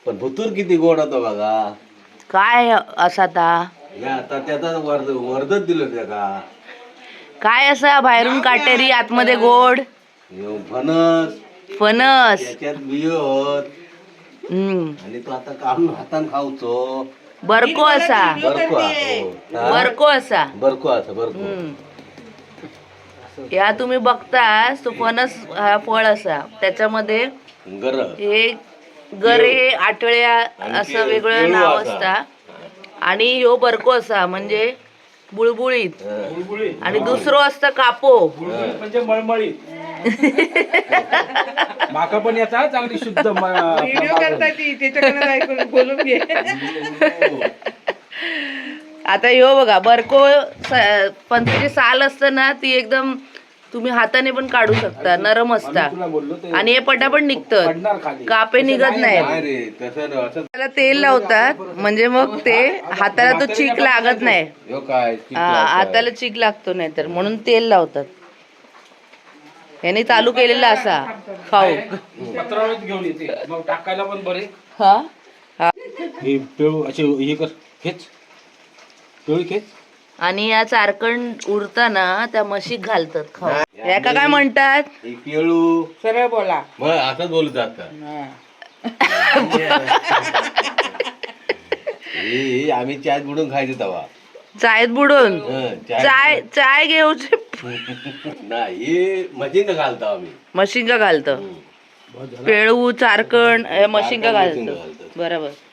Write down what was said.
पण भुतूर किती गोड होतो बघा. काय असा आता त्याचा वर्धच दिलं त्याला. काय असा बाहेरून काटेरी आतमध्ये गोड फणस फणस. त्याच्यात बिय होत आणि तो आता काढून हातान खाऊचो. बरको असा बरको बरको असा बरको असा बरको. या तुम्ही बघतास तो फणस हा फळ असा त्याच्यामध्ये गर हे गरे आटळ्या असं वेगळं नाव असता आणि ह्यो बरको असा म्हणजे बुळबुळीत आणि दुसरं असतं कापो म्हणजे मळमळीत. माका पण याचा चांगली शुद्ध व्हिडिओ करता ती त्याच्याकडे ऐकून बोलून घे. आता ह्यो बघा बरको पण त्याची साल असतं ना ती एकदम तुम्ही हाताने पण काढू शकता, नरम असता आणि हे पटापट निघतं, कापे निघत नाही. त्याला तेल लावतात म्हणजे मग ते हाताला तो चीक लागत नाही. हाताला चीक लागतो नाही तर म्हणून तेल लावतात. याने चालू केलेला असा खाऊ पत्रावळीत घेऊन येते मग टाकायला पण बरे. हा हे पेळू असे हे कर खेच पेळी खेच. आणि या चारकण उरताना त्या म्हशीक घालतात खाऊ. याका काय म्हणतात? केळू सरळ बोला. असंच बोलतात का? आम्ही चाय बुडून खायचो तेव्हा. चायत बुडून चाय चाय घेऊचे नाही मशीन घालतो आम्ही. मशिंगा घालतो. पेळू चारकण मशिंगा घालतो बरोबर.